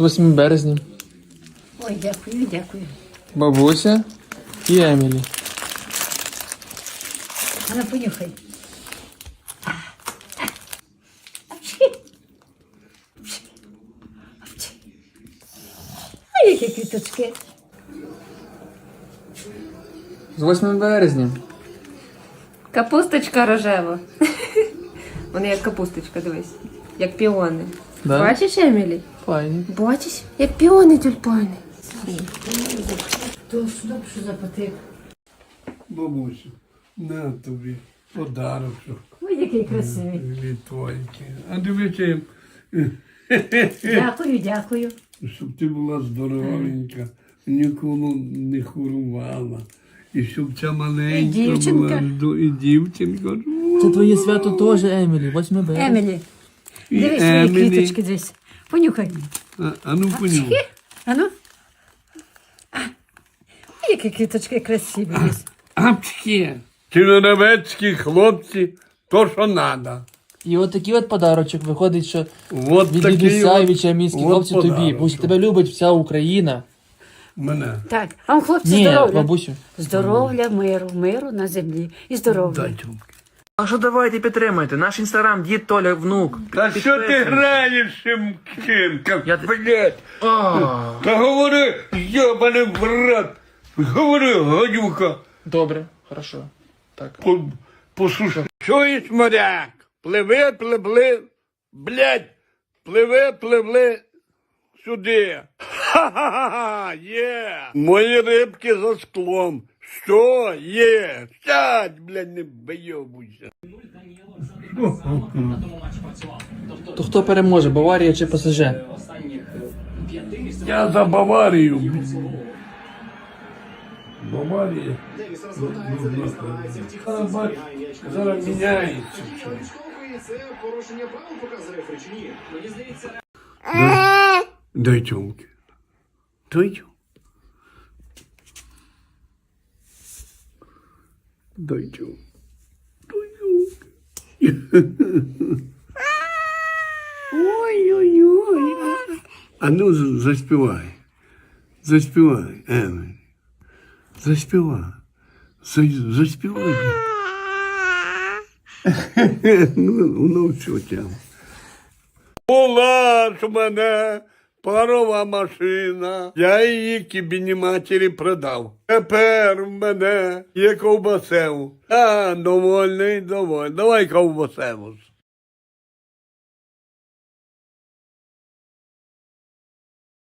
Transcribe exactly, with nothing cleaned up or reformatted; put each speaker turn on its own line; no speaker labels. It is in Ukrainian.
восьмим березня.
Ой, дякую, дякую.
Бабуся і Емілі.
А ну понюхай. А які квіточки?
З восьмим березня.
Капусточка рожева. Вони як капусточка, дивись. Як піони.
Да?
Бачиш, Емілі?
Файні.
Бачиш? Як піони тюльпани.
То що, що за потик?
Бабусю, на тобі подарочок
Ой, який красивий.
від твоїки. А дивіться,
Дякую, дякую.
щоб ти була здоровенька, ніколи не хворувала. І щоб ця маленька
І дівчинка.
була, здо- і дівчинка.
Це твоє свято теж, Емілі, восьмим березня.
Емілі,
І
дивись свої
Емілі.
квіточки десь. Понюхай.
А, а ну понюхай.
А ну. А, які квіточки красиві десь.
Апчки! Черновецькі хлопці, то що надо.
І от такий от подарочок виходить, що
Вот
від
такий
дідуся і
от-
від чамінських
от
хлопців тобі.
подарочок.
Бусь, тебе любить вся Україна.
Мене.
Так, а вам хлопці
Ні,
здоров'я.
бабусю.
Здоров'я, миру, миру на землі. І здоров'я.
Дай тюмки.
А що давайте підтримайте? Наш інстаграм, дід Толя, внук.
Та що ти граєш цим ким,
Я-
блядь? Та говори, йобаний брат. Говори, гадюка.
Добре, хорошо. Так.
По, послушай. Чуєш, моряк? Пливи, пливли, блядь, пливи, пливли сюди. Ха-ха-ха, є. Мої рибки за склом. Що є? Сядь, блядь, не вийобуйся.
То хто переможе, Баварія чи ПСЖ?
Я за Баварію. Баварія. Зараз, бач, зараз міняється. Дай, дай тюмки. Дай тюмки. Дай тюмки. Дай тюмки. Ой-ой-ой. А ну з- заспівай. Заспівай, Емель. Заспівай. За- Заспівай. Ну, ну все тям. Була ж у мене парова машина, я її кібіні матері продав. Тепер в мене є ковбасев. А, довольний, довольний. Давай ковбасеву.